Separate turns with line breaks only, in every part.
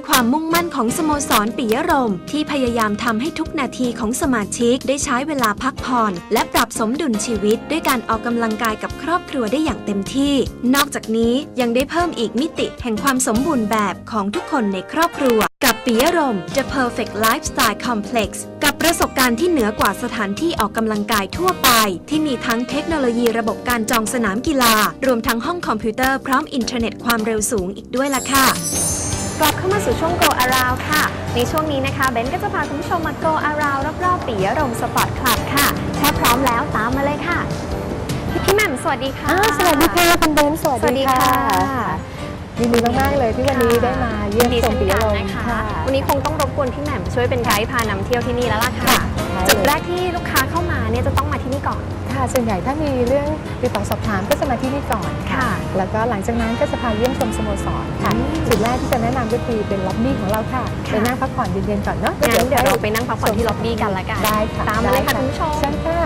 ความมุ่งมั่นของสโมสรปิยรมย์ที่พยายามทำให้ทุกนาทีของสมาชิกได้ใช้เวลาพักผ่อนและปรับสมดุลชีวิตด้วยการออกกำลังกายกับครอบครัวได้อย่างเต็มที่นอกจากนี้ยังได้เพิ่มอีกมิติแห่งความสมบูรณ์แบบของทุกคนในครอบครัวกับปิยรมย์ The Perfect Lifestyle Complex กับประสบการณ์ที่เหนือกว่าสถานที่ออกกำลังกายทั่วไปที่มีทั้งเทคโนโลยีระบบการจองสนามกีฬารวมทั้งห้องคอมพิวเตอร์พร้อมอินเทอร์เน็ตความเร็วสูงอีกด้วยล่ะค่ะ
กลับเข้ามาสู่ช่วง Go Around ค่ะในช่วงนี้นะคะเบนก็จะพาคุณผู้ชมมา Go Around รอบๆปิยรมย์สปอร์ตคลับค่ะถ้าพร้อมแล้วตามมาเลยค่ะพี่แหม่มสวัสดีค่ะ
สวัสดีค่ะคุณเบนสวัสดีค่ะยินดีมากๆเลยที่วันนี้ได้มาเยี่ยมชมปิยรมย์ค่ะ
วันนี้คงต้องรบกวนพี่แหม่มช่วยเป็นไกด์พานำเที่ยวที่นี่แล้วล่ะค่ะจุดแรกที่ลูกค้าเข้ามาเนี่ยจะต้องมาที่นี่ก่อน
ค่ะส่วนใหญ่ถ้ามีเรื่องติดต่อสอบถามก็จะมาที่นี่ก่อนค่ะแล้วก็หลังจากนั้นก็จะพาเยี่ยมชมสโมสรค่ะจุดแรกที่จะแนะนำก็คือเป็นล็อบบี้ของเราค่ะไปนั่งพักผ่อนเย็นๆก่อนเนาะ
งั้นเดี๋ยวเราไปนั่งพักผ่อนที่ล็อบบี้กันละกัน
ได้ค่ะ
ตามมาเลยค่ะคุณผู้ชม
ใช่ค่ะ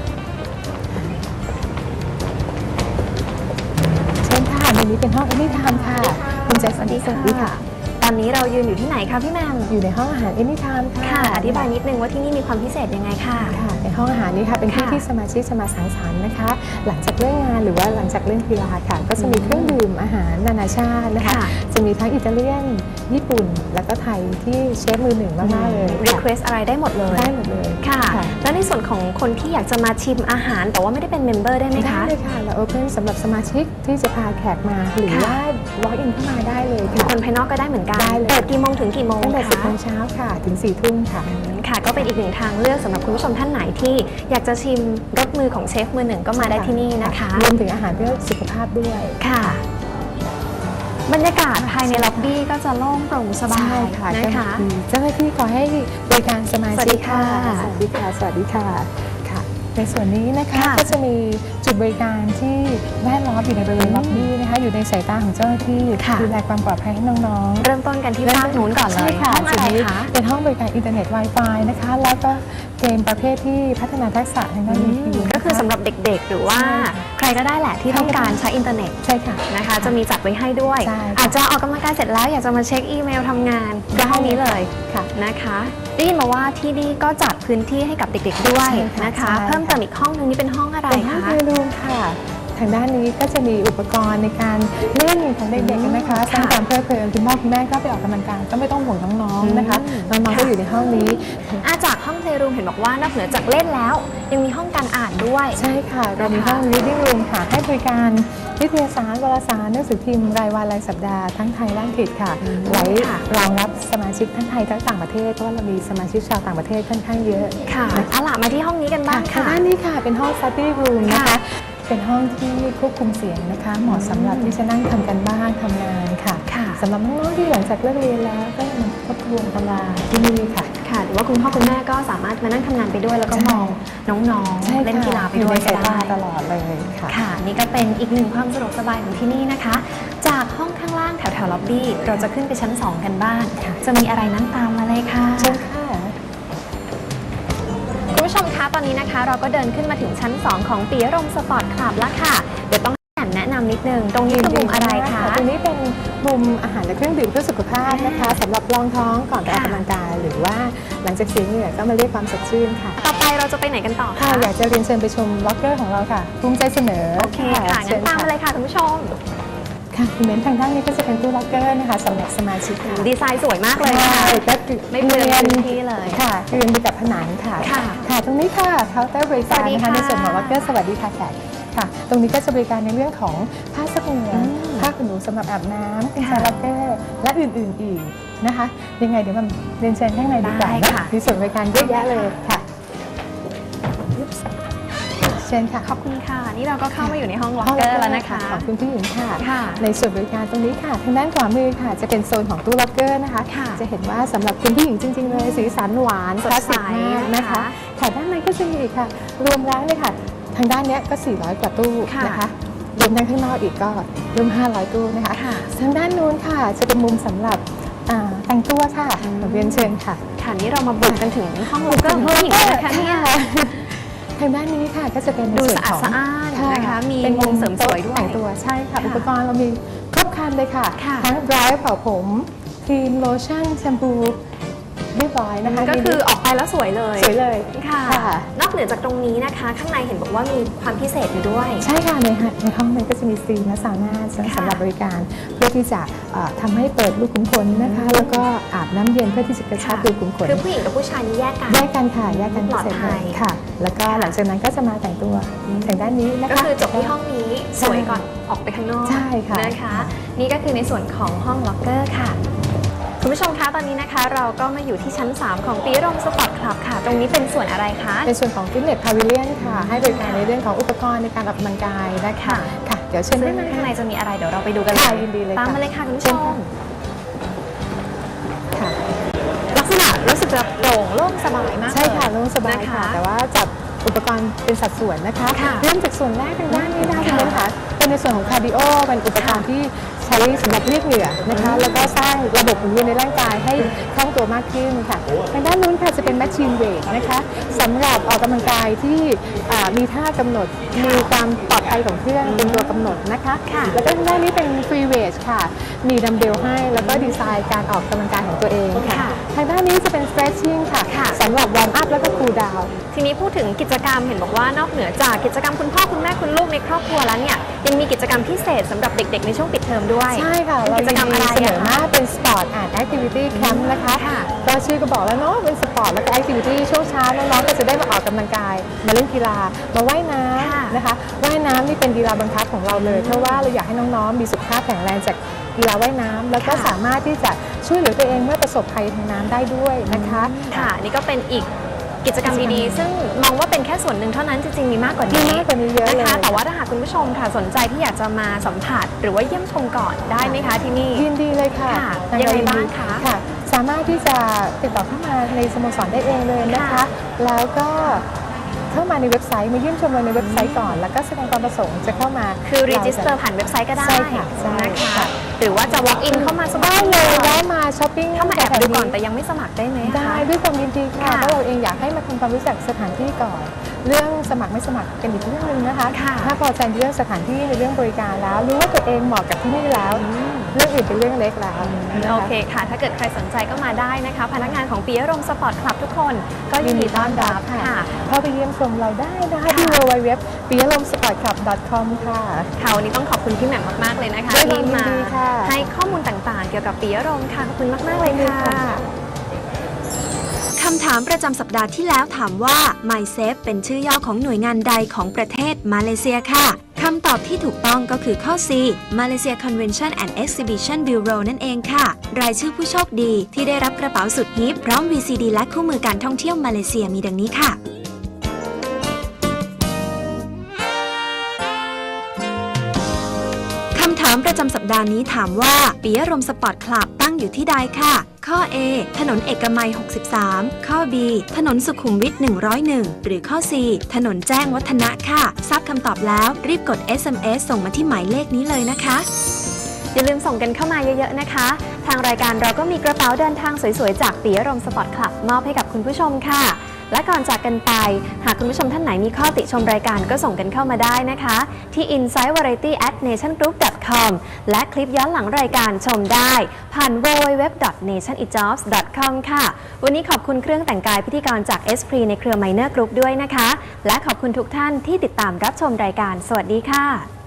เชิญค่ะในนี้เป็นห้องแอนิไทม์ค่ะคุณแจ็คสันสวัสดีค่ะ
ตอนนี้เรายืนอยู่ที่ไหนคะพี่แหม่ม
อยู่ในห้องอาหารแอนิไทม์
ค่ะอธิบายนิดนึงว่าที่นี่มีความพิเศษยังไงค่ะ
ในห้องอาหารนี้ค่ะเป็นที่ที่สมาชิกจะมาสังสรรค์นะคะหลังจากเลิกงานหรือว่าหลังจากเล่นกีฬาค่ะก็จะมีเครื่องดื่มอาหารนานาชาตินะคะจะมีทั้งอิตาเลียนญี่ปุ่นแล้วก็ไทยที่เชฟมือหนึ่งมากๆเลย
รีเควสอะไรได้หมดเลย
ได้หมดเลย
ค่ะแล้วในส่วนของคนที่อยากจะมาชิมอาหารแต่ว่าไม่ได้เป็นเมมเบอร์ได้ไหมคะ
ได้เลยค่ะเราโอเพนสำหรับสมาชิกที่จะพาแขกมาหรือว่าwalk in เข้ามาได้เลยค่ะ
คนภายนอกก็ได้เหมือนกันเปิดกี่โมงถึงกี่โมง
ตั้งแต่10 โมงเช้าค่ะถึง4 ทุ่มค่ะ
ค่ะก็เป็นอีกหนึ่งทางเลือกสำหรับคุณผู้ชมท่านไหนที่อยากจะชิมรสมือของเชฟมือหนึ่งก็มาได้ที่นี่นะคะ
รวมถึงอาหารเพื่อสุขภาพด้วย
ค่ะบรรยากาศภายในล็อบบี้ก็จะโล่งโปร่งสบายนะคะ
เจ้าหน้าที่ขอให้บริการสมาชิกค่ะสวัสดีค่ะสวัสดีค่ะในส่วนนี้นะคะก็จะมีจุดบริการที่แวดล้อมอยู่ในบริเวณล็อบบี้นะคะอยู่ในสายตาของเจ้าหน้าที่ดูแลความปลอดภัยให้น้อง
ๆเริ่มต้นกันที่ภาคนู้นก่อนเลย
ค่ะจุดนี้เป็นห้องบริการอินเทอร์เน็ต Wi-Fi นะคะแล้วก็เกมประเภทที่พัฒนาทักษะทางด้านนี้
ก็คือสำหรับเด็กๆหรือว่าใครก็ได้แหละที่ต้องการใช้อินเทอร์เน็ต
ใช่ค่ะ
นะคะจะมีจัดไว้ให้ด้วยอาจจะออกกำลังกายเสร็จแล้วอยากจะมาเช็คอีเมลทำงานก็ห้องนี้เลยนะคะได้ยินมาว่าที่นี่ก็จัดพื้นที่ให้กับเด็กๆด้วยนะคะเพิ่มเติมอีกห้องนึงนี่เป็นห้องอะไรคะ
ห้องรูมค่ะทางด้านนี้ก็จะมีอุปกรณ์ในการเล่นของเด็กๆนะคะสร้างความเพลิดเพลินคุณพ่อคุณแม่ก็ไปออกกำลังกายก็ไม่ต้องห่วงน้องๆนะคะน้องๆก็อยู่ในห้องนี้
จากห้องเพลย์รูมเห็นบอกว่านอกเหนือจากเล่นแล้วยังมีห้องการอ่านด้วย
ใช่ค่ะเรามีห้อง reading room ค่ะให้บริการนิตยสารวารสารหนังสือพิมพ์รายวันรายสัปดาห์ทั้งไทยและอังกฤษค่ะไว้รองรับสมาชิกทั้งไทยทั้งต่างประเทศเพราะว่าเรามีสมาชิกชาวต่างประเทศค่อนข้างเยอะ
ค่ะเอาล่ะมาที่ห้องนี้กันบ้างค่ะ
ด้านนี้ค่ะเป็นห้อง study room นะคะเป็นห้องที่ควบคุมเสียงนะคะเหมาะสำหรับที่จะนั่งทำกันบ้านทำงานค่ะสำหรับน้องๆที่หลังจากเลิกเรียนแล้วก็มาทบทวนตำราที่นี่ค่ะ
หรือว่าคุณพ่อคุณแม่ก็สามารถมานั่งทำงานไปด้วยแล้วก็มองน้องๆเล่นกีฬาไปด้วย
ก็ได้ตลอดเลย
ค่ะนี่ก็เป็นอีกหนึ่งความสะดวกสบายของที่นี่นะคะจากห้องข้างล่างแถวๆล็อบบี้เราจะขึ้นไปชั้น2กันบ้างจะมีอะไรนั้นตามมาเลยค่ะ
เชิญค่ะ
คุณผู้ชมคะตอนนี้นะคะเราก็เดินขึ้นมาถึงชั้น2ของปิยรมย์สปอร์ตคลับแล้วค่ะเดี๋ยวต้องแนะนำนิดนึงตรงนี้คือมุมอะไรคะ
ตรงนี้เป็นมุมอาหารและเครื่องดื่มเพื่อสุขภาพนะคะสำหรับรองท้องก่อนไปออกกำลังกายหรือว่าหลังจากเสียเหงื่อก็มาเรียกความสดชื่นค่ะ
ต่อไปเราจะไปไหนกันต่อ
คะอยากจะเรียนเชิญไปชมล็อกเกอร์ของเราค่ะภูมิใจเสนอ
โอเคค่ะงั้นตามมาเลยค่ะคุณผู้ชม
ค่ะคุณเบนทางด้านนี้ก็จะเป็นตู้ล็อกเกอร์นะคะสำหรับสมาชิก
ดีไซน์สวยมากเลยค่ะไม่เปลืองพื้นที่เลย
ค่ะเรียนไปกับผนังค่ะค่ะตรงนี้ค่ะเคาน์เตอร์บริการนะคะในส่วนของล็อกเกอร์สวัสดีค่ะแขกค่ะตรงนี้ก็จะบริการในเรื่องของผ้าซักเหงื่อผ้าขนหนูสำหรับอาบน้ำเป็นล็อกเกอร์และอื่นๆอีกนะคะยังไงเดี๋ยวมันเรียนเชิญข้างในดีกว่ามีส่วนบริการเยอะแยะเลยค่ะเชิญค่ะ
ขอบคุณค่ะนี่เราก็เข้ามาอยู่ในห้องล็อกเกอร์แล้วนะคะ
ขอบคุณพี่หญิงค่ะในส่วนบริการตรงนี้ค่ะทางด้านขวามือค่ะจะเป็นโซนของตู้ล็อกเกอร์นะคะจะเห็นว่าสำหรับคุณผู้หญิงจริงๆเลยสีสันหวานคลาสสิกมากนะคะค่ะด้านในก็จะมีค่ะรวมแล้วเลยค่ะทางด้านนี้ก็400 กว่าตู้นะคะรวมทั้งข้างนอกอีกก็รวม500 ตู้นะคะทางด้านนู้นค่ะจะเป็นมุมสำหรับแต่งตัวค่ะเรียนเชิญค่ะ
ค่ะนี่เรามาบุกกันถึงห้องล็อกเกอร์ของผู้หญิงนะคะเนี่ย
ทางด้านนี้ค่ะก็จะเป็น
ดูสะอาดสะอ้านนะคะมีมุมเสริมสวยด้วย
แต่งตัวใช่ค่ะอุปกรณ์เรามีครบครันเลยค่ะทั้งไดร์เป่าผมครีมโลชั่นแชมพูเรียบร้อยนะคะ
ก็คือออกไปแล้วสวยเลย
สวยเลย
ค่ะ
ค่ะ
นอกเหนือจากตรงนี้นะคะ ข้างในเห็นบอกว่ามีความพิเศษอยู่ด้วย
ใช่ค่ะในห้องนั้นก็จะมีสตรีมและซาวน่าสำหรับบริการ เพื่อที่จะทำให้เปิดรูขุมขนนะคะ แล้วก็อาบน้ำเย็นเพื่อที่จะกระชับรูขุมขน
คือผู้หญิงกับผู้ชายนี่แยกกัน
แยกกันค่ะแยกกัน
ปลอด
พิเศษ
ภั
เลย ยค่ะ แล้วก็หลังจากนั้นก็จะมาแต่งตัวแต่งด้านนี้นะคะ
ก็คือจบที่ห้องนี้สวยก่อนออกไปข้างนอก
ใช่ค่ะ
นะคะ นี่ก็คือในส่วนของห้องล็อกเกอร์ค่ะ คุณผู้ชมคะตอนนี้นะคะเราก็มาอยู่ที่ชั้น 3 ของปีรมสปอร์ตคลับค่ะ ตรงนี้เป็นส่วนอะไรคะ
เป็นส่วนของฟิตเนสพาวิเลียนค่ะ ให้บริการในเรื่องของอุปกรณ์ในการออกกำลังกายนะคะ
ค่ะ
ค่ะ เดี๋ยวเชิญ
ซึ่
ได้
ง
ไหม
ข้างในจะมีอะไรเดี๋ยวเราไปดูกันเล
ค่ะ
ย
ยินดีเลย
ตาม
ค่ะ
มาเลยค่ะคุณผู้ช
เชิญ
ม
ค่ะค่ะ
ลักษณะรู้สึกจะโปร่งโล่งสบายมาก
ใช่ค่ะโล่งสบาย
นะคะ
ค่ะ แต่ว่าจัดอุปกรณ์เป็นสัดส่วนนะคะ
ค่ะ
เริ่มจากส่วนแรกทางด้านนี้ได้
ค่ะ
คุณผู้ชมค่ะเป็นในส่วนของคาร์ดิโอเป็นอุปกรณ์ที่ใช้สำหรับเรียกเหงื่อนะคะ แล้วก็สร้างระบบหมุนเวียนในร่างกายให้คล่องตัวมากขึ้นค่ะทางด้านนู้นค่ะจะเป็นแมชชีนเวทนะคะสำหรับออกกำลังกายที่มีท่ากำหนดมีความปลอดภัยของเครื่องเป็นตัวกำหนดนะคะ
ค่ะ
แล้วก็ทางด้านนี้เป็นฟรีเวทค่ะมีดัมเบลให้แล้วก็ดีไซน์การออกกำลังกายของตัวเองค่ะ
ค่ะ
ทางด้านนี้จะเป็น stretching ค่ะ
ค่ะ
สำหรับวอร์มอัพแล้วก็คูลดาวน์
ทีนี้พูดถึงกิจกรรมเห็นบอกว่านอกเหนือจากกิจกรรมคุณพ่อคุณแม่คุณลูกในครอบครัวแล้วเนี่ยยังมีกิจกรรมพิเศษสำหรับเด็กๆในช่วงปิดเทอมด้วย
ใช่ค่ะ
เป็น
เรา
กิจกรรมอะไร
เสน
อะ
อ
คะ
มาเป็นสปอร์ตแอนด์แอคทิวิตี้แคมป์นะคะ
ค่ะ
ก็ชื่อก็บอกแล้วเนาะเป็นสปอร์ตแล้วก็แอคทิวิตี้ช่วงเช้าน้องๆก็จะได้มาออกกำลังกาย มาเล่นกีฬามาว่ายน้
ค่ะ
ำนะคะว่ายน้ำนี่เป็นกีฬาบังคับของเราเลย เพราะว่าเราอยากให้น้องๆมีสุขภาพแข็งแรงจากกีฬาว่ายน้ำแล้วก็สามารถที่จะช่วยเหลือตัวเองเมื่อประสบภัยทางน้ำได้ด้วยนะคะ
ค่ะนี่ก็เป็นอีกกิจกรรมดีๆ ซึ่งมองว่าเป็นแค่ส่วนหนึ่งเท่านั้นจริงๆมีมากกว่า
มี
นี้
มากกว่านี้เยอะเลย
นะคะแต่ว่าถ้าหากคุณผู้ชมค่ะสนใจที่อยากจะมาสัมผัสหรือว่าเยี่ยมชมก่อนได้ไหมคะที่นี่
ยินดีเลยค่ะ
ค่ะ
ท
ยังไง
เร
บ้างคะ
ค่ะ สามารถที่จะติดต่อเข้ามาในสโมสรได้เองเลยนะคะ
ค่ะ
แล้วก็เข้ามาในเว็บไซต์มาเยี่ยมชมเราในเว็บไซต์ก่อน แล้วก็แสดงความประสงค์จะเข้ามา
คือรีจิสเตอร์ผ่านเว็บไซต์ก็ได้
ใช่ค่ะใช่
นะคะ
ค่ะ
หรือว่าจะ walk in เข้ามาสมัค
ได้
ร
เลย
ก่อน
แวะมาช้อปปิ้ง
เข้ามาแอบดูก่อนแต่
แถว
ยังไม่สมัครได้ไหมคะ
ได้ด้วยความยินดีค่ะ
ค่ะ
เพราะเราเองอยากให้มาทำความรู้จักสถานที่ก่อน เรื่องสมัครไม่สมัครเป็นอีกเรื่องหนึงนะคะ
ค่ะ
ถ้าพอใจในเรื่องสถานที่ในเรื่องบริการแล้ว รู้ว่าตัวเองเหมาะกับที่นี่แล้ว เรื่องอื่นเป็นเรื่องเล็กแล้วนะคะ
โอเคค่ะ ถ้าเกิดใครสนใจก็มาได้นะคะ พนักงานของปียรมสปอร์ตคลับทุกคนก็ยินดีต้อนรับค่ะ
เข้าไปเยี่ยมชมเราได้นะคะที่ www ปิยะลม sportclub.com ค่ะ
ค่ะวันนี้ต้องขอบคุณพี่แหม่มมากๆเลยนะคะ
ด้วยความ
ที่มา
ยินดีค่ะ
ให้ข้อมูลต่างๆ เกี่ยวกับปียรมค่ะขอบคุณมากๆเลยค่ะ
คำถามประจำสัปดาห์ที่แล้วถามว่า MySafe เป็นชื่อย่อของหน่วยงานใดของประเทศมาเลเซียค่ะ คำตอบที่ถูกต้องก็คือข้อ C Malaysia Convention and Exhibition Bureau นั่นเองค่ะ รายชื่อผู้โชคดีที่ได้รับกระเป๋าสุดฮิปพร้อม VCD และคู่มือการท่องเที่ยวมาเลเซียมีดังนี้ค่ะ คำถามประจำสัปดาห์นี้ถามว่าปิยรมสปอร์ตคลับตั้งอยู่ที่ใดค่ะ ข้อ A ถนนเอกมัย 63 ข้อ B ถนนสุขุมวิท 101 หรือข้อ C ถนนแจ้งวัฒนะค่ะ ทราบคำตอบแล้วรีบกด SMS ส่งมาที่หมายเลขนี้เลยนะคะ
อย่าลืมส่งกันเข้ามาเยอะๆนะคะ ทางรายการเราก็มีกระเป๋าเดินทางสวยๆ จากปิยรมสปอร์ตคลับมอบให้กับคุณผู้ชมค่ะ และก่อนจากกันไป หากคุณผู้ชมท่านไหนมีข้อติชมรายการก็ส่งกันเข้ามาได้นะคะ ที่ insidevariety@nationgroup.com และคลิปย้อนหลังรายการชมได้ผ่าน www.nationitjobs.com ค่ะ วันนี้ขอบคุณเครื่องแต่งกายพิธีกรจาก Esprit ในเครือ Minor Group ด้วยนะคะ และขอบคุณทุกท่านที่ติดตามรับชมรายการ สวัสดีค่ะ